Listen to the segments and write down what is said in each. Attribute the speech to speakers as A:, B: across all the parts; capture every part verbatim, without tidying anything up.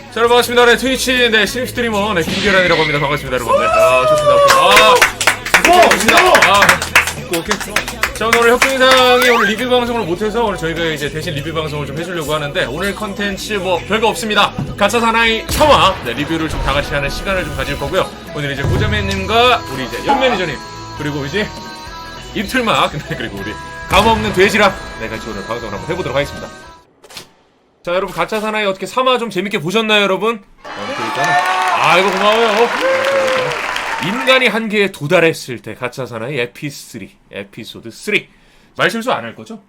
A: 자, 여러분 반갑습니다. 네, 트위치 네 신입 스트리머 네 김계란이라고 합니다. 반갑습니다, 여러분들. 아, 좋습니다. 아, 반갑습니다. 아, 오케이. 자, 오늘 혁중이상이 오늘 리뷰 방송을 못해서 오늘 저희가 이제 대신 리뷰 방송을 좀 해주려고 하는데 오늘 컨텐츠 뭐 별거 없습니다. 가짜 사나이 샤워 네, 리뷰를 좀 다 같이 하는 시간을 좀 가질 거고요. 오늘 이제 고자매님과 우리 이제 연 매니저님 그리고 이제 입틀막 네, 그리고 우리 감없는 돼지랑 네 같이 오늘 방송을 한번 해보도록 하겠습니다. 자, 여러분 가짜 사나이 어떻게 삼화 좀 재밌게 보셨나요, 여러분? 아, 이거 고마워요. 인간이 한계에 도달했을 때 가짜 사나이 에피쓰리 에피소드 쓰리 말실수 안 할 거죠?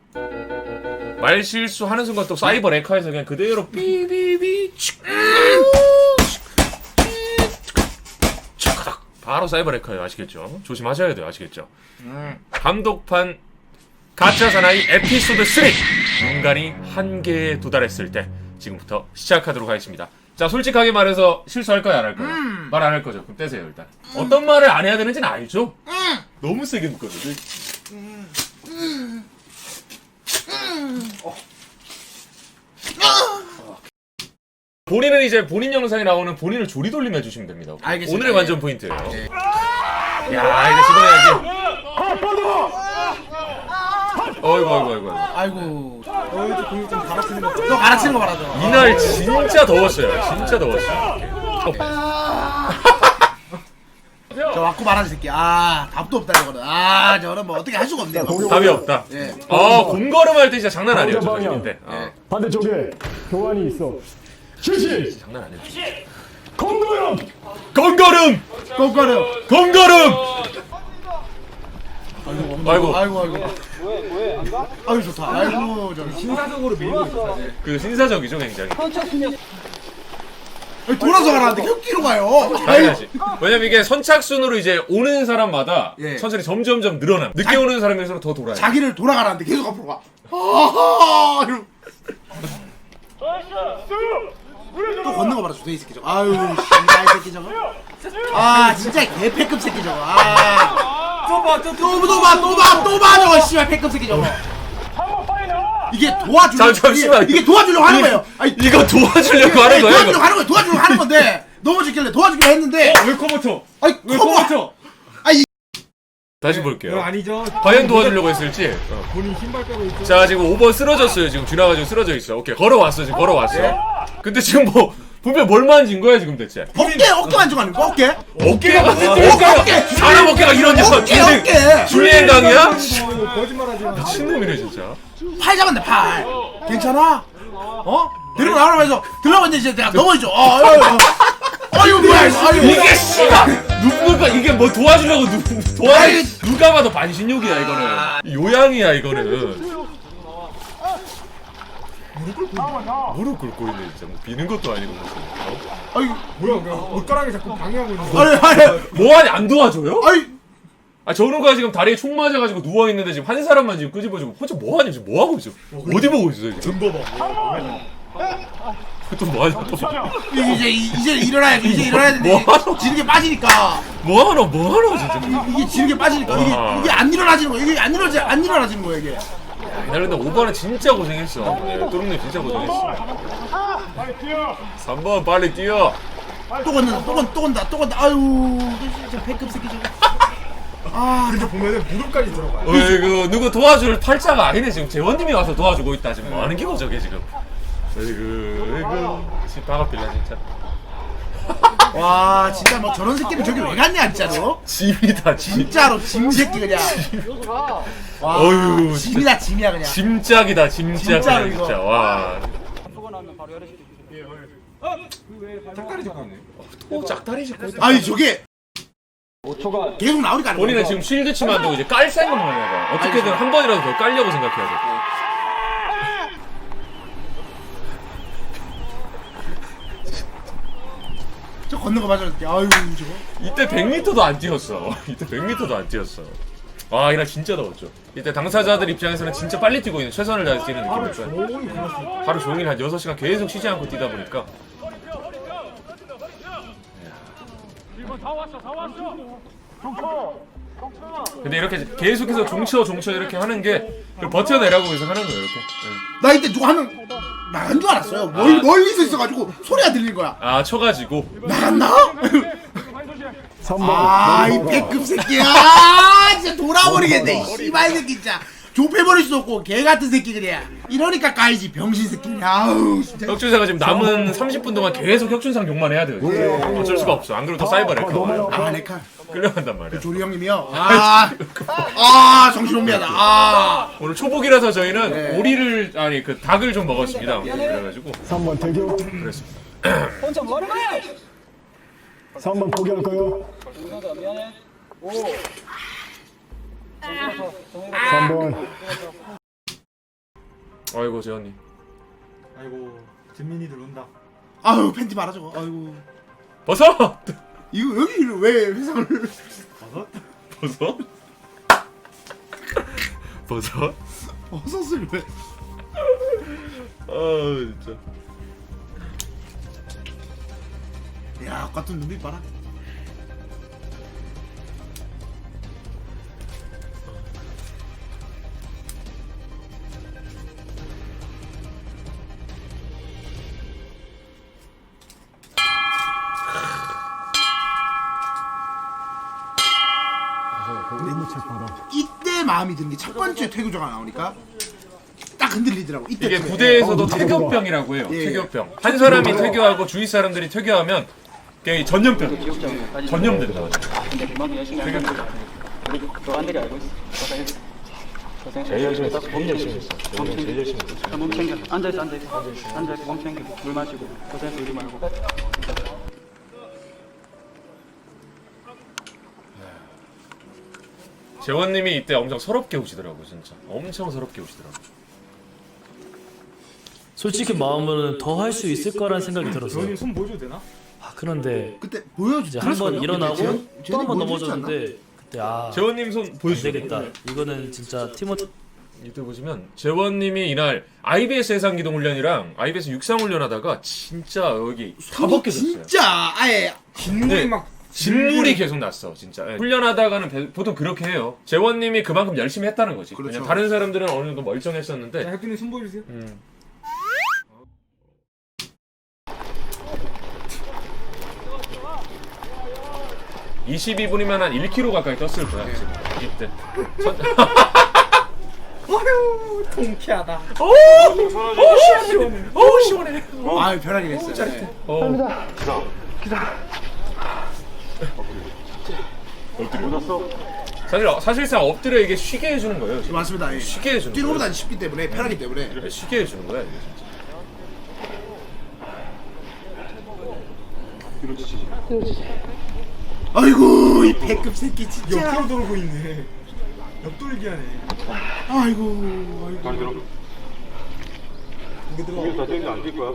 A: 말실수 하는 순간 또 사이버 레카에서 그냥 그대로 삐삐삐 바로 사이버 레카예요. 아시겠죠? 조심하셔야 돼요. 아시겠죠? 감독판 가짜 사나이 에피소드 쓰리 인간이 한계에 도달했을 때 지금부터 시작하도록 하겠습니다. 자, 솔직하게 말해서 실수할까요? 안 할까요? 음. 말 안 할 거죠? 그럼 떼세요, 일단. 음. 어떤 말을 안 해야 되는지는 알죠? 음. 너무 세게 묶거든요. 음. 음. 음. 어. 어. 본인은 이제 본인 영상에 나오는 본인을 조리돌림 해주시면 됩니다.
B: 알겠습니다.
A: 오늘의 관전 포인트예요. 네. 야, 이거 집어내야지. 어이구, 어이구, 어이구.
B: 아이고.
C: 어, 이제 공이 좀 갈아치는 거.
B: 너 갈아치는 거 말하죠.
A: 이날 진짜 더웠어요. 진짜 더웠어요.
B: 저 왔고 말하는 새끼. 아, 답도 없다 이거는. 아, 저는 뭐 어떻게 할 수가 없네요.
A: 답이 없다.
B: 예.
A: 아, 곰걸음 할 때 진짜 장난 아니에요. 저 자신인데. 어.
C: 반대쪽에 교환이 있어. 실시.
A: 장난 아니에요.
C: 공도형.
A: 곰걸음!
B: 꼼꼼해요.
A: 곰걸음! 아이고.
B: 아이고, 아이고. 아이고 좋다. 아이고 저
C: 신사적으로 밀고 있어.
A: 그 신사적이죠, 굉장히.
B: 아니, 돌아서 가라는데 혁기로 가요.
A: 당연하지. 왜냐면 이게 선착순으로 이제 오는 사람마다
B: 예.
A: 천천히 점점점 늘어나. 늦게
B: 자-
A: 오는 사람에서는 더 돌아요.
B: 자기를 돌아가라는데 계속 앞으로 가. 아하. 이러고. 또 걷는 거 봐라, 저이 새끼 저거. 아유, 씨발 새끼 저거. 아, 진짜 개패급 새끼 저거. 아.
C: 또 봐, 또
B: 또, 또 봐, 또 봐, 또 봐, 저거, 씨발, 패급 새끼 저거. 이게 도와주려고,
A: 잠- 잠시만.
B: 이게, 이게 도와주려고 하는 거예요. 아니,
A: 이거 도와주려고 하는 거예요,
B: 도와주려고
A: 이거.
B: 하는 거예요, 도와주려고 하는 건데, 넘어지길래 도와주기로 했는데,
C: 왜 커버쳐?
B: 아니,
C: 왜
B: 커버,
C: 커버쳐?
A: 다시
C: 이거
A: 볼게요.
C: 아니죠?
A: 과연 도와주려고 했을지. 어.
C: 본인 신발 빼고 있죠.
A: 자, 지금 오 번 쓰러졌어요. 지금 지나가지고 쓰러져 있어. 오케이, 걸어왔어. 지금 걸어왔어. 근데 지금 뭐 분명 뭘 만진 거야 지금 대체?
B: 어깨, 어깨 만지고 하는 거, 어깨?
A: 어깨가
B: 어깨, 어깨.
A: 사람 어깨가 이런 녀석.
B: 어깨, 어깨.
A: 줄리엔 강이야?
C: 이거 거짓말하지 마.
A: 미친놈이네 진짜.
B: 팔 잡았네, 팔. 괜찮아? 어? 들고 나오면서, 들어가는데 이제 내가 넘어지죠. 어, 아유, 아유. 아유, 뭐야, 이거. 아유,
A: 이게 씨발 누굴까 이게 뭐 도와주려고 누 도와
B: 아이.
A: 누가 봐도 반신욕이야 이거는. 요양이야 이거는. 무릎 꿇고 있네 진짜. 뭐 비는 것도 아니고 무슨. 어?
B: 아유,
C: 뭐야, 그냥 옷가락이 자꾸 방해하고 있는 거.
B: 아유, 아유.
A: 뭐하니 안 도와줘요?
B: 아유.
A: 아 저런 거야 지금 다리에 총 맞아가지고 누워 있는데 지금 한 사람만 지금 끄집어주고 혼자 뭐하니 지금 뭐 하고 있어? 어디 보고 있어 지금?
C: 좀 봐봐.
A: 또 뭐하냐 또 뭐.
B: 이제, 이제 일어나야지, 이제 일어나야 되는데.
A: 뭐?
B: 지르게 빠지니까.
A: 뭐하노 뭐하노 진짜.
B: 이게 지르게 빠지니까. 이게,
A: 와.
B: 이게 안 일어나지는 거야. 이게 안 일어나지, 안 일어나지는 거야, 이게.
A: 이날 근데 오 번은 진짜 고생했어. 네, 또롱님 진짜 고생했어. 삼 번 빨리 뛰어.
B: 또 건다, 또 건다, 또 건다, 또 건다. 아유, 저 패급 새끼 저거. 아,
C: 근데 보면은 무릎까지 들어가요.
A: 어이구 누구 도와줄 팔자가 아니네 지금 재원님이 와서 도와주고 있다 지금 뭐 하는 기고 저게 지금. 어이구 어이구 집 바가필라 진짜.
B: 와, 진짜 뭐 저런 새끼는 저기 왜 갔냐, 진짜로?
A: 짐이다 짐.
B: 진짜로 짐 새끼 그냥. 와,
A: 어휴,
B: 짐이다 짐이야 그냥.
A: 짐짝이다 짐짝
B: 진짜로
A: 그냥
B: 이거.
A: 진짜 와.
C: 짝다리 잡고 있네.
A: 또 짝다리 짚고 있다.
B: 아니 저게 계속 나오니까 안
A: 본인은
B: 나와.
A: 지금 쉴드 치면 안 되고 이제 깔 생각만 해봐. 어떻게든 한 번이라도 더 깔려고 생각해야 돼.
B: 저 걷는 거 맞아. 아유 저거.
A: 이때 백 미터도 안 뛰었어. 이때 백 미터도 안 뛰었어. 와 이날 진짜 더웠죠. 이때 당사자들 입장에서는 진짜 빨리 뛰고 있는 최선을 다해서 뛰는 느낌이었어요. 하루 종일 한 여섯 시간 계속 쉬지 않고 뛰다 보니까. 근데 이렇게 계속해서 종쳐 종쳐 이렇게 하는 게 그걸 버텨내라고 해서 하는 거예요 이렇게. 네.
B: 나 이때 누가 하면 나간 줄 알았어요. 멀,
A: 아.
B: 멀리서 있어가지고 소리가 들린 거야.
A: 아 쳐가지고
B: 나갔나?
D: 삼 번
B: 아이 배급 새끼야. 아, 진짜 돌아버리겠네. 이 씨발 새끼 진짜. 좁혀버릴 수 없고 개 같은 새끼 그래. 이러니까 까이지 병신 새끼. 아우 진짜.
A: 혁준사가 지금 남은 삼십 분 동안 계속 혁준상 욕만 해야 돼요. 진짜. 어쩔 수가 없어. 안 그러면 또 사이버 렉커 와요.
B: 아 레카.
A: 끌려간단 말이야.
B: 조리 형님이요. 아, 아 정신혼미하다. 아.
A: 오늘 초복이라서 저희는
B: 네.
A: 오리를 아니 그 닭을 좀 먹었습니다. 그래가지고
D: 삼 번 대교
A: 그랬습니다.
D: 삼 번 포기할까요? 삼 번
A: 아이고 재현님.
C: 아이고 진민이들 온다.
B: 아유 팬티 말아 저거. 아이고.
A: 버섯.
B: 이거 여기 왜 회상을?
A: 버섯. 버섯.
B: 버섯을 왜?
A: 아 진짜.
B: 야 같은 눈빛 봐라. 이때 마음이 드는 게 첫 번째 퇴교자가 나오니까 딱 흔들리더라고. 이때
A: 이게
B: 쯤에.
A: 부대에서도
D: 어,
A: 퇴교병이라고 해요.
B: 예.
A: 퇴교병. 한 사람이 퇴교하고 주위 사람들이 퇴교하면 그게 전염병. 전염된다.
E: 근데 그만큼 열심히 하는 거야. 우리 교관들이 알고 있어. 고생했어. 고생했어. 제일 열심히 했어. 몸 열심히 했어. 제일 열심히 했어. 몸 챙겨. 앉아있어, 앉아있어. 앉아있어, 몸 챙겨. 물 마시고. 고생해서 울지 말고.
A: 재원님이 이때 엄청 서럽게 우시더라고 진짜. 엄청 서럽게 우시더라고.
F: 솔직히 마음은 더 할 수 있을 거라는 생각이 들었어요.
C: 저희 손 보여줘도 되나?
F: 아, 그런데
B: 그때 보여주.
F: 이제 한 번 일어나고 또 한 번 넘어졌는데 그때 아,
A: 재원님 손
F: 안
A: 보여주세요.
F: 되겠다. 이거는 진짜 티모티
A: 이때 보시면 재원님이 이날 아이비에스 해상기동 훈련이랑 아이비에스 육상 훈련하다가 진짜 여기 다 벗겨졌어요.
B: 진짜 아예
C: 진물이
A: 네.
C: 막
A: 진물이 계속 났어 진짜. 예. 훈련하다가는 배- 보통 그렇게 해요. 재원님이 그만큼 열심히 했다는 거지.
B: 그렇죠.
A: 그냥 다른 사람들은 어느 정도
C: 자,
A: 멀쩡했었는데
C: 혁준이 손 보여주세요.
A: 음. 이십이 분이면 한 일 킬로그램 가까이 떴을 거야 지금 이때. 전...
C: 어휴 통쾌하다.
A: 오 시원해. 오 시원해.
B: 아 편하게 했어요. 네.
A: 어. 엎드려. 사실 사실상 엎드려 이게 쉬게 해주는 거예요. 지금.
B: 맞습니다. 예.
A: 쉬게 해주는
B: 뛰는
A: 거예요.
B: 것보다 쉽기 때문에 편하기 때문에.
A: 그래, 쉬게 해주는 거야 이게 진짜.
B: 아이고 이 배급 새끼 진짜.
C: 옆으로 돌고 있네. 옆돌기 하네.
B: 아이고 아이고.
C: 이게 들어.
G: 다 땡겨 안 뛸 거야?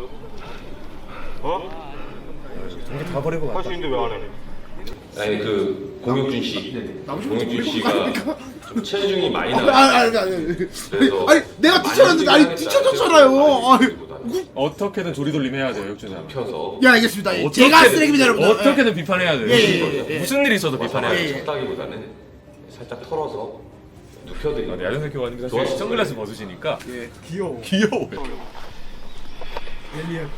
G: 어?
A: 전기 다 버리고
G: 할
A: 갔다.
G: 수 있는데 왜 안 해?
H: 아니 그 공혁준 씨, 공혁준 씨가 좀 체중이 많이
B: 아,
H: 나요.
B: 아니 아니 아니.
H: 그래서
B: 아니 내가 뛰쳐놨는데 아니 뛰쳐졌잖아요. 아니.
A: 어떻게든 조리돌림 해야 돼요 역주사.
H: 펴서
B: 예 알겠습니다. 예. 제가 쓰레기입니다 여러분.
A: 어떻게든 비판해야 돼요.
B: 예, 예, 예.
A: 무슨 일이 있어도 비판해야
B: 예,
A: 돼요.
B: 예.
H: 쳤다기보다는 살짝 털어서
A: 아,
H: 눕혀드리는
A: 네, 야전생 교관님 사실
H: 좋았어요.
A: 선글라스 벗으시니까
B: 예.
C: 귀여워.
A: 귀여워요.
C: 엘리언.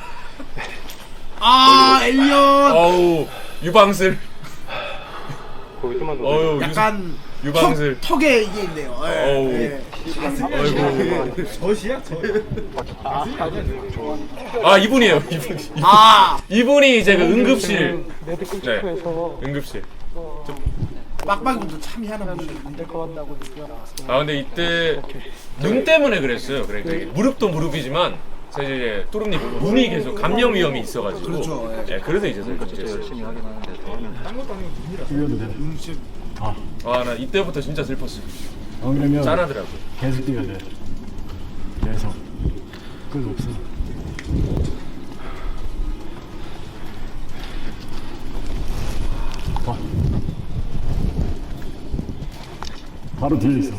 B: 아 엘리언.
A: 어우 유방슬.
G: 거기 좀만 더.
A: 어유
B: 약간
A: 유방슬.
B: 턱, 턱에 이게 있네요. 예.
A: 어우.
B: 예.
A: 아이고.
C: 젖이야 젖. 가슴이 아니야.
A: 아 이분이에요 이분.
B: 아
A: 이분이 이제 그 응급실. 네. 응급실.
B: 빡빡이분도 참 희한한 분이.
A: 아 근데 이때 눈 때문에 그랬어요. 그러니까 이게 무릎도 무릎이지만 사실 이제 뚜룩님 눈이 계속 감염 위험이 있어가지고.
B: 그렇죠, 예.
A: 예, 그래서 이제 설정했어요.
C: 딴 것도 아니고 눈이라.
D: 뛰어도 돼.
B: 음, 진짜
A: 아 나 이때부터 진짜 슬펐어.
D: 안 그러면
A: 짠하더라고.
D: 계속 뛰어야 돼. 계속 끝 없어. 봐. 바로 뒤에 있어.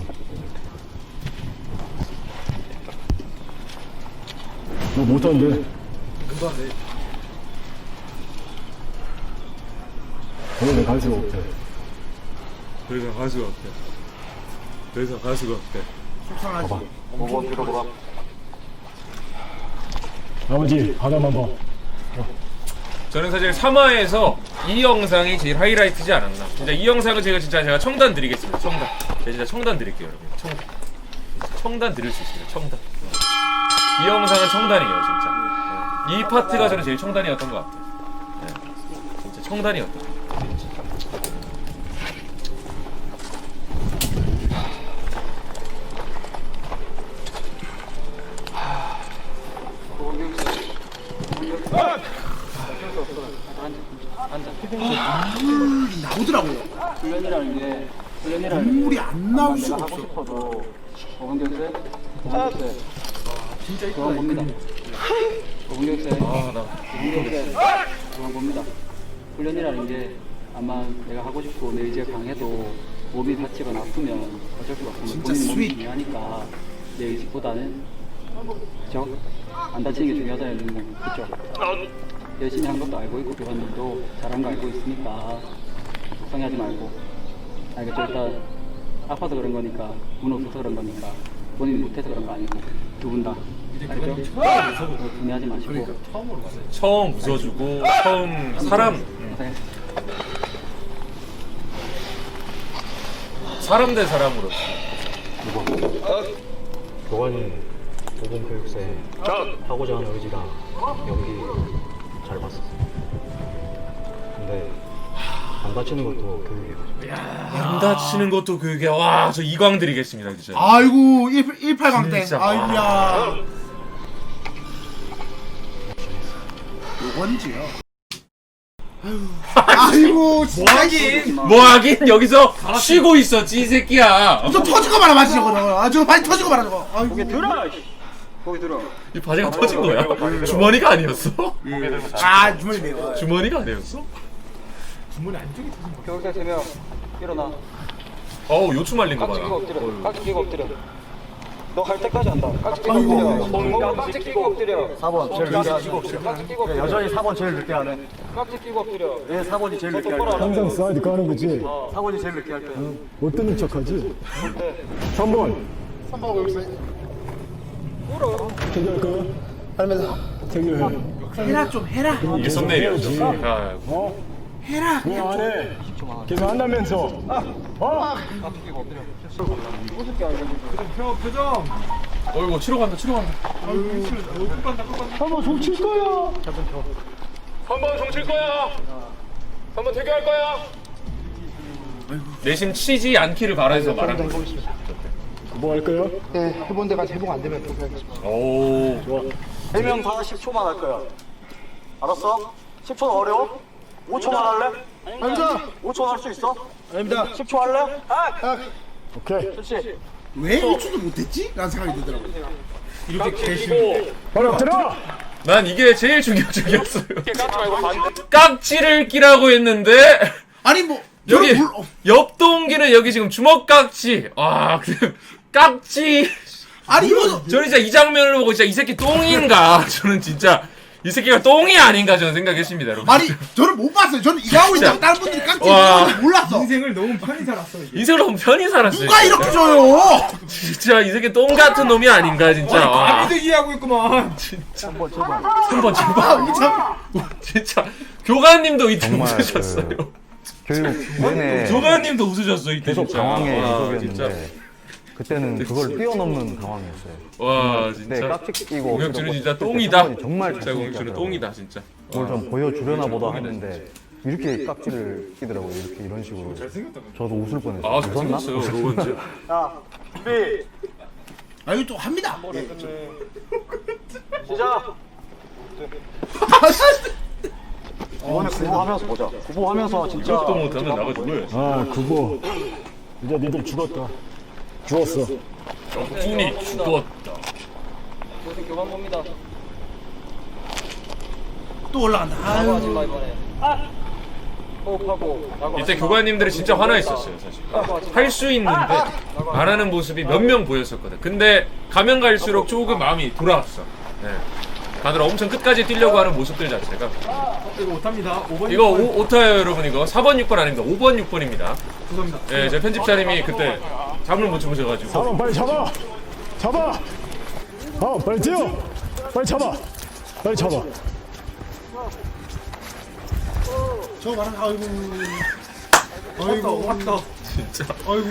D: 너 못하는데?
C: 금방 돼.
D: 너는 갈 수가 없대.
A: 그래서 가수가 없대. 그래서 가수가 없대.
B: 속상하지.
G: 오 번 들어보라.
D: 아버지 바다만 봐.
A: 저는 사실 삼 화에서 이 영상이 제일 하이라이트지 않았나. 진짜 이 영상은 제가 진짜 제가 청단 드리겠습니다. 청단. 제가 진짜 청단 드릴게요, 여러분. 청단. 청단 드릴 수 있습니다. 청단. 이 영상은 청단이에요, 진짜. 이 파트가 저는 제일 청단이었던 것 같아요. 네. 진짜 청단이었던 것 같아요. 진짜.
B: 눈물이 나오더라고요.
E: 훈련이라는 게 훈련이라는 게
B: 눈물이 안 나올
E: 내가
B: 수가
E: 하고
B: 없어.
E: 싶어도 어근경세, 어근경세 진짜 그건 봅니다. 어근경세, 어근경세 그건 봅니다. 훈련이라는 게 아마 내가 하고 싶고 내 의지가 강해도 몸이 다치거나 아프면 어쩔 수가 없고
B: 진짜
E: 본인 몸이
B: 스윗.
E: 중요하니까 내 의지보다는 그죠? 안 다치는 게 중요하다는 건 그죠? 열심히 한 것도 알고 있고 교관님도 잘한 거 알고 있으니까 속상해하지 말고 알겠죠? 일단 아파서 그런 거니까 운 없어서 그런 거니까 본인이 못해서 그런 거 아니고 두 분 다 알겠죠? 분해하지 마시고
A: 처음 웃어주고, 처음 사람,
E: 고생했어.
A: 사람 대 사람으로.
I: 교관님 오본 교육생 하고자 하는 의지랑 연기 잘 봤었어요. 근데 안 다치는 것도 교육이에요.
A: 안 다치는 것도 그게, 와, 저 이광 드리겠습니다, 진짜.
B: 아이고 일팔강땡.
A: 진짜.
B: 아이고야. 요건지요. 아이고 진짜
A: 뭐하긴, 뭐하긴, 여기서 쉬고 있었지, 이 새끼야.
B: 저 터지고 말아 맞지 저거. 아 저거 많이 터지고 말아 저거. 아이고.
E: 거기 들어! 거기 들어.
A: 이 바지가 터진 거야? 주머니가 아니었어?
B: 아 주머니 내가.
A: 주머니가 아니었어?
C: 주머니 안쪽에 터진 거.
E: 교육생 세 명 일어나.
A: 어우, 요추 말린 거
E: 깍지 끼고
A: 봐라.
E: 엎드려. 깍지 끼고 엎드려. 너 갈 때까지 한다. 깍지 끼고 엎드려. 깍지 끼고 엎드려.
I: 사 번 제일 늦게 하죠.
E: 깍지 끼고 엎드려.
I: 여전히 사 번 제일 늦게 하네.
E: 깍지 끼고 엎드려.
I: 왜 사 번이 제일 늦게 할
E: 똑바로
I: 거야?
E: 하라고.
D: 항상 사이드 까는 거지.
I: 사 번이 제일 늦게 할 거야.
D: 못 듣는 척하지. 삼 번. 태교할 거야? 할머니. 태교해.
B: 해라 좀 해라.
A: 이게 썸네일이었죠. 아,
D: 어?
B: 해라.
D: 왜 안 해? 계속 한다면서. 어?
C: 형 표정.
A: 어이구, 치러 간다, 치러 간다.
D: 한번 종칠 거야.
A: 한 번 종칠 거야. 한 번 퇴교할 거야. 내심 치지 않기를 바라서 말하는 거.
D: 뭐 할 거야?
B: 네 해본 데까지 해보고 안 되면 또 해야겠어.
A: 오,
D: 좋아.
I: 세 명 다 십 초만 할 거야. 알았어? 십 초는 어려워? 오 초만 할래?
B: 아닙니다.
I: 오 초 할 수 있어?
B: 아닙니다.
I: 십 초 할래?
D: 오케이.
I: 그렇지.
B: 왜 일 초도 못했지? 라는 생각이 들더라고.
A: 이렇게 개시고.
D: 바로 들어.
A: 난 이게 제일 충격적이었어요. 깍지를 끼라고 했는데
B: 아니 뭐
A: 여기
B: 저는 몰- 어,
A: 옆 동기는 여기 지금 주먹 깍지. 아, 그 깍지.
B: 아니 이거
A: 저는 진짜 이 장면을 보고 진짜 이 새끼 똥인가? 저는 진짜 이 새끼가 똥이 아닌가 저는 생각했습니다, 여러분.
B: 아니 저는 못 봤어요. 저는 이거 하고 있다가 다른 분들이 깍지
A: 와.
B: 끼는지 몰랐어.
C: 인생을 너무 편히 살았어 이게.
A: 인생을 너무 편히 살았어요.
B: 누가
A: 진짜.
B: 이렇게 줘요?
A: 진짜 이 새끼 똥 같은 놈이 아닌가 진짜. 와.
C: 아비들기 하고 있구만.
A: 삼 번 제발. 진짜 교관님도 이때 웃으셨어요.
J: 교육 내내
A: 교관님도 웃으셨어 이때
J: 계속
A: 진짜.
J: 당황의
A: 와,
J: 연속이었는데 그때는 그걸 뛰어넘는 당황이었어요.
A: 와
J: 네,
A: 진짜.
J: 깍지 끼고
A: 공혁준은 진짜
J: 그때
A: 똥이다.
J: 사건이 정말
A: 진짜 공혁준은
J: 잘생겼더라고요.
A: 똥이다 진짜.
J: 그걸 좀 보여주려나 보다 했는데 이렇게 깍지를 끼더라고요. 이렇게 이런 식으로. 저도 웃을 뻔했어요.
A: 아
J: 웃었나?
A: 잘생겼어요 로운즈.
I: 자, 준비.
B: 아 이거 또 합니다.
I: 시작. 이번에 구보하면서 보자. 구보하면서 진짜
A: 이것도 못하면 나가 죽어요.
D: 아 그거. 이제 니들 죽었다. 죽었어.
A: 정준이 죽었다.
E: 교생 교관 봅니다.
B: 또 올라간다.
E: 나고 하지
B: 아유.
E: 마 이번에. 호흡하고. 나고
A: 이때
E: 하지 마.
A: 교관님들이 진짜 화나 있었어요 사실.
E: 나고 하지 마.
A: 할 수 있는데 안 하는 모습이 몇 명 보였었거든. 근데 가면 갈수록 조금 마음이 돌아왔어. 네. 다들 엄청 끝까지 뛰려고 하는 모습들 자체가.
C: 이거 못합니다. 오 번.
A: 이거 오, 오타예요 여러분. 이거 사 번 육 번 아닙니다. 오 번 육 번입니다.
C: 죄송합니다.
A: 예, 제 편집자님이 그때 잠을 못 주무셔가지고.
D: 사람 빨리 잡아. 잡아. 어 빨리 뛰어. 빨리 잡아. 빨리 잡아.
B: 저 말은 아이고.
C: 아이고 왔다.
A: 진짜.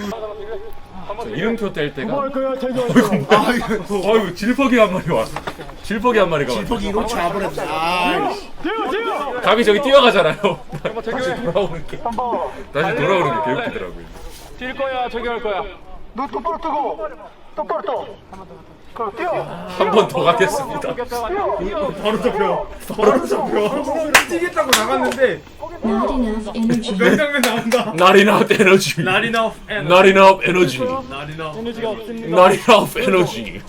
A: 이름표 뗄 때가.
D: 뭐 할 거야, 태교?
B: 아이고.
A: 어이구 질퍽이 한 마리 와. 질퍽이 한 마리가 와.
B: 질퍽이 이로 차버렸다. 아,
A: 감이 저기 뛰어가잖아요. 다시 돌아오는 게. 다시 돌아오는 게 개웃기더라고요.
G: 뛸 거야, 저기 할 거야.
I: 너 똑바로 뜨고 똑바로 떠. 그럼 뛰어.
A: 한 번 더 가겠습니다.
C: 바로 잡혀. 바로 잡혀. 뛰겠다고 나갔는데
K: Not enough energy.
C: 명장면 나온다.
A: Not enough energy.
C: Not enough energy.
A: Not enough energy.
C: Not enough.
G: 에너지가 없습니다.
A: Not enough energy.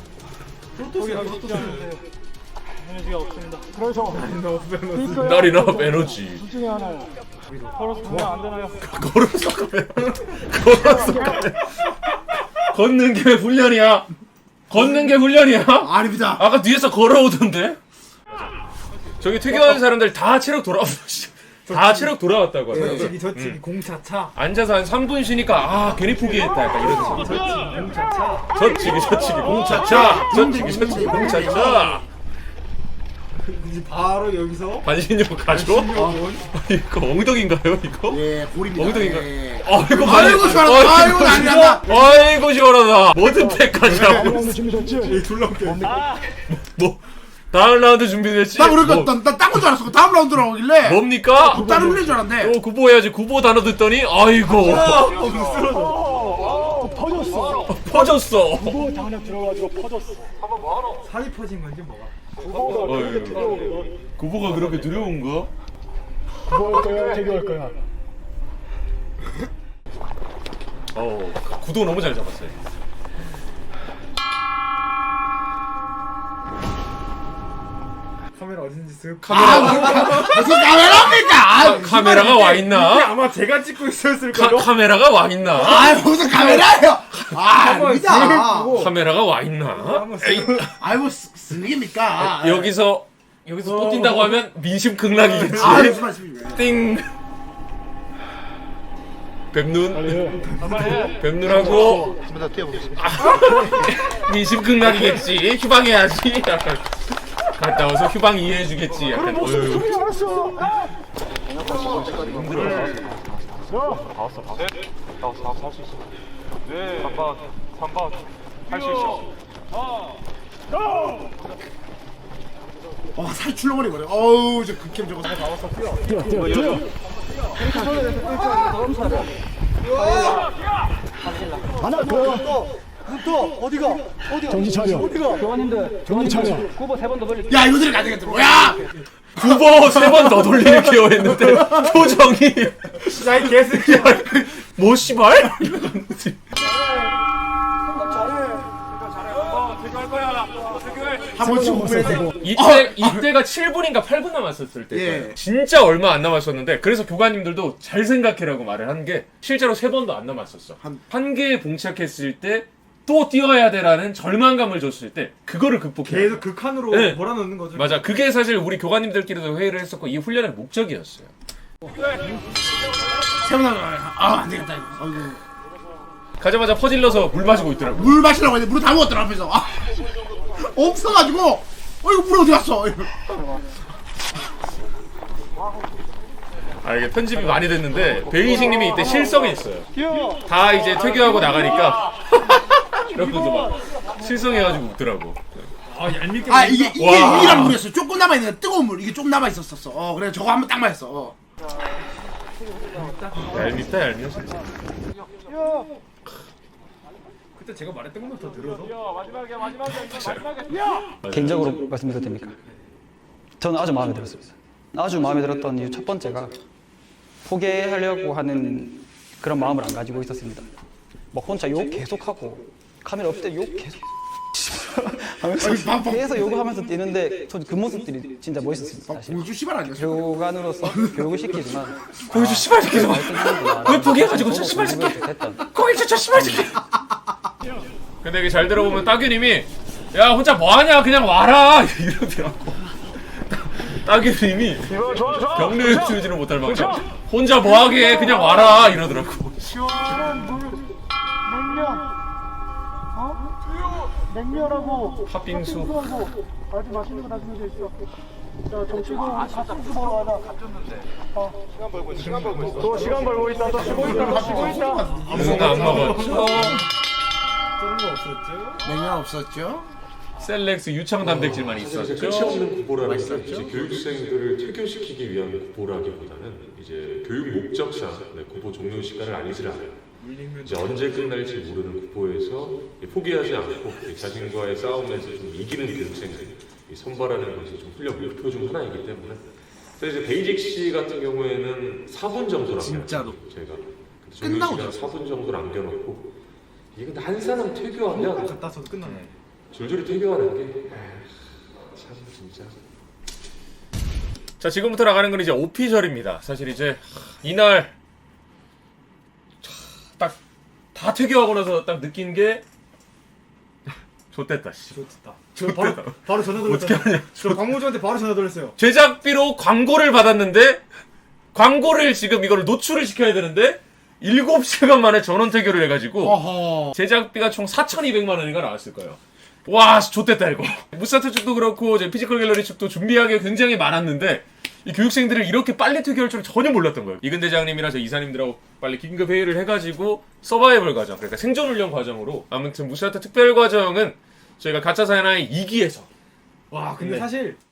G: 에너지가 없습니다.
A: Not enough energy.
G: 둘 중에 하나요. 걸어서 가면 안 되나요?
A: 걸어서 가면 걸어서 가면 걷는 게 훈련이야. 걷는 게 훈련이야.
B: 아닙니다.
A: 아까 뒤에서 걸어오던데. 저기 퇴교하는 사람들 다 체력 돌아. 다 체력 돌아왔다고 하더라고요.
C: 저기 저쪽이 공차차.
A: 앉아서 한 삼 분 쉬니까 아 괜히 포기했다 약간 이런 생각.
C: 공차차.
A: 저치기 저치기 공차차 저치기 저치기 공차차.
C: 이제 바로 여기서
A: 반신욕 가죠? 이거 엉덩인가요 이거?
B: 예, 고립니다.
A: 엉덩인가?
B: 예.
A: 아이고
B: 아이고 시원하다. 아이고 난리 난다.
A: 아이고 시원하다. 모든 패까지 하고
C: 이 둘러게.
A: 뭐 다음 라운드 준비됐지?
B: 나 그러니까
A: 뭐,
B: 나딴거줄 알았어. 다음 라운드 나오길래.
A: 뭡니까?
B: 다른 훈련 줄 알았는데.
A: 어 구보해야지. 구보 단어 듣더니 아이고
D: 퍼졌어.
A: 퍼졌어.
D: 뭐 당력 들어가지고 퍼졌어.
C: 살이 퍼진 건지 뭐가?
A: 어휴. 구보가 그렇게 두려운가?
D: 뭐 할 거야, 태교 할 거야?
A: 어 구도 너무 잘 잡았어요.
C: 카메라 어딘지 쓱.
B: 아, 무슨 카메라입니까? 아,
A: 카메라가 와 있나?
C: 아마 제가 찍고 있었을
A: 카,
C: 거요.
A: 카메라가 와 있나?
B: 아, 무슨 카메라예요? 아, 아닙니다.
A: 카메라가 와 있나? 에이,
B: 아이 뭐 쓰는 겁니까?
A: 여기서 여기서 또 뛴다고 하면 민심 극락이겠지.
B: 아, 무슨 말씀이에요?
A: 띵. 뱀눈. 뱀눈하고 아, 민심 극락이겠지. 휴방해야지. 약간 갔다 와서 휴방 이해해주겠지. 약간. 어휴.
G: 네. 삼 번, 삼 번. 할 수 있어.
B: 와, 살 출렁거리 버려. 어우, 저 극혐 저거.
D: 뛰어, 뛰어, 뛰어. 하나 더.
I: 또 어디가? 어디가?
D: 정신 차려.
I: 어디가?
E: 교관님들
D: 정신 차려.
E: 구보 세 번 더 돌릴게요.
B: 야, 이거들이 가져가 들어. 야!
A: 구보 세 번 더 돌리는 케어 했는데 표정이
C: 야이 개새끼야.
A: 뭐 씨발?
B: 한 번씩 오픈해 돼.
A: 이때 이때가 칠 분인가 팔 분 남았었을 때.
B: 예.
A: 진짜 얼마 안 남았었는데 그래서 교관님들도 잘 생각해라고 말을 한 게 실제로 세 번도 안 남았었어.
B: 한-
A: 한 개에 봉착했을 때 또 뛰어야 돼라는 절망감을 줬을 때 그거를 극복해.
C: 계속 극한으로
A: 네.
C: 몰아넣는 거죠.
A: 맞아. 그게 사실 우리 교관님들끼리도 회의를 했었고 이 훈련의 목적이었어요.
B: 세번 나가. 아, 안 되겠다 이거. 아이고.
A: 가자마자 퍼질러서 물 마시고 있더라고.
B: 물 마시라고 했는데 물을 다 먹었더라 앞에서. 아, 없어가지고. 어이구 물 어디 갔어? 이거.
A: 아 이게 편집이 많이 됐는데 베이식님이 이때 실성이 있어요. 다 이제 퇴교하고 나가니까 이러면서 막 실성해가지고 웃더라고.
C: 아 얄밉게.
B: 아 이게 이게
A: 와.
B: 유일한 물이었어. 조금 남아 있는 거 뜨거운 물 이게 좀 남아 있었었어. 어 그래 저거 한번 딱 마셨어. 어.
A: 얄밉다 얄미워 진짜.
C: 그때 제가 말했던 것만 더 들어서.
G: 마지막이야, 마지막이야, 마지막이야.
E: 개인적으로 말씀드려도 됩니까? 저는 아주 마음에 들었습니다. 아주 마음에 들었던 이유 첫 번째가 포기하려고 하는 그런 마음을 안 가지고 있었습니다. 막 혼자 욕 계속하고 카메라 없을 때 욕 계속 하면서 계속 욕하면서 뛰는데 전 그 모습들이 진짜 멋있었습니다. 사실.
B: 공주 씨발 아니었어?
E: 교관으로서 교육을 시키지만
A: 공주 씨발 새끼 좀. 왜 포기해가지고 저 씨발 새끼. 공주 저 씨발 새끼. 근데 이게 잘 들어보면 따규님이 야 혼자 뭐하냐 그냥 와라 이러더라고. 따규님이 경례 치우지는 못할 만큼 혼자 뭐하게 그냥 와라 이러더라고.
I: 시원한 물, 물면, 어? 냉면하고
A: 팥빙수.
I: 팥빙수하고 아주 맛있는 거 다 준비돼 있어. 자, 정치고 팥빙수 먹으러 가자. 어. 시간 벌고 있어. 시간 벌고 있어. 또 시간 벌고 있다. 또 쉬고 있다. 쉬고 있다.
A: 아무도 안 먹었죠.
C: 저런 거 없었죠?
B: 냉면 없었죠?
A: 셀렉스 유청 단백질만
H: 끝이
A: 있었죠.
H: 없는 구보라는 게 이제 교육생들을 퇴교시키기 위한 구보라기보다는 이제 교육 목적상 네, 구보 종료 시간을 알리질 않아요. 이제 언제 끝날지 모르는 구보에서 포기하지 않고 자신과의 싸움에서 좀 이기는 교육생들 선발하는 것이 좀 훈련 목표 중 하나이기 때문에 그래서 이제 베이직 씨 같은 경우에는 사 분 정도
B: 진짜로.
H: 제가 종료 시간 사 분 정도 남겨놓고 이게 근데 한 사람 퇴교하면
C: 갖다 써도 끝나네.
H: 줄줄이 퇴교하는 게 참 진짜.
A: 자, 지금부터 나가는 건 이제 오피셜입니다. 사실 이제 이날 딱 다 퇴교하고 나서 딱 느낀 게 좋댔다 씨.
C: 좋다. 저 바로 바로 전화
A: 어떻게
C: 돌렸잖아.
A: 하냐.
C: 저 광고주한테 바로 전화 돌렸어요.
A: 제작비로 광고를 받았는데 광고를 지금 이거를 노출을 시켜야 되는데 일곱 시간 만에 전원 퇴교를 해가지고
B: 어허.
A: 제작비가 총 사천이백만 원인가 나왔을 거예요. 와, 좋댔다 이거. 무사트 측도 그렇고 이제 피지컬 갤러리 측도 준비한 게 굉장히 많았는데 이 교육생들을 이렇게 빨리 퇴교할 줄은 전혀 몰랐던 거예요. 이근 대장님이랑 저 이사님들하고 빨리 긴급 회의를 해가지고 서바이벌 과정, 그러니까 생존 훈련 과정으로 아무튼 무사트 특별 과정은 저희가 가짜 사나이 이 기에서
C: 와, 근데
A: 네.
C: 사실